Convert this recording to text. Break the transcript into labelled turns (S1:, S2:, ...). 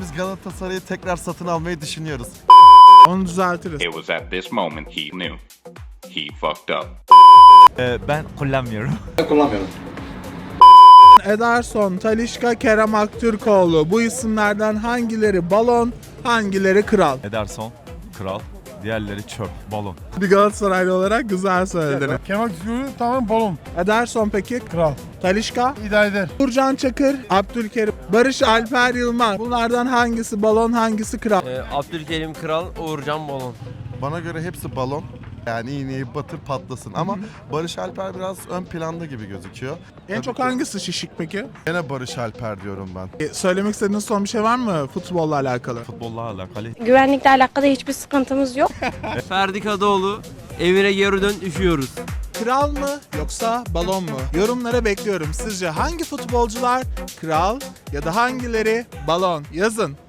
S1: biz Galatasaray'ı tekrar satın almayı düşünüyoruz.
S2: Onu düzeltiriz.
S3: It was at this moment he knew. He fucked up.
S4: Ben kullanmıyorum.
S2: Ederson, Talisca, Kerem Aktürkoğlu. Bu isimlerden hangileri balon, hangileri kral?
S4: Ederson, kral. Diğerleri çöp, balon.
S2: Bir Galatasaraylı olarak güzel söyledin.
S5: Kemal Kılıçdaroğlu tamam balon.
S2: Ederson peki?
S5: Kral.
S2: Talisca,
S5: İdare eder.
S2: Uğurcan Çakır, Abdülkerim, Barış Alper Yılmaz. Bunlardan hangisi balon, hangisi kral?
S6: Abdülkerim kral, Uğurcan balon.
S1: Bana göre hepsi balon. Yani iğneyi batır patlasın ama Barış Alper biraz ön planda gibi gözüküyor.
S2: En
S1: Tabii
S2: çok
S1: ki.
S2: hangisi şişik peki?
S1: Gene Barış Alper diyorum ben.
S2: Söylemek istediğiniz son bir şey var mı futbolla alakalı?
S4: Futbolla alakalı.
S7: Güvenlikle alakalı hiçbir sıkıntımız yok.
S6: Ferdi Kadıoğlu, evine geri dön, üşüyoruz.
S2: Kral mı yoksa balon mu? Yorumlara bekliyorum. Sizce hangi futbolcular kral ya da hangileri balon? Yazın.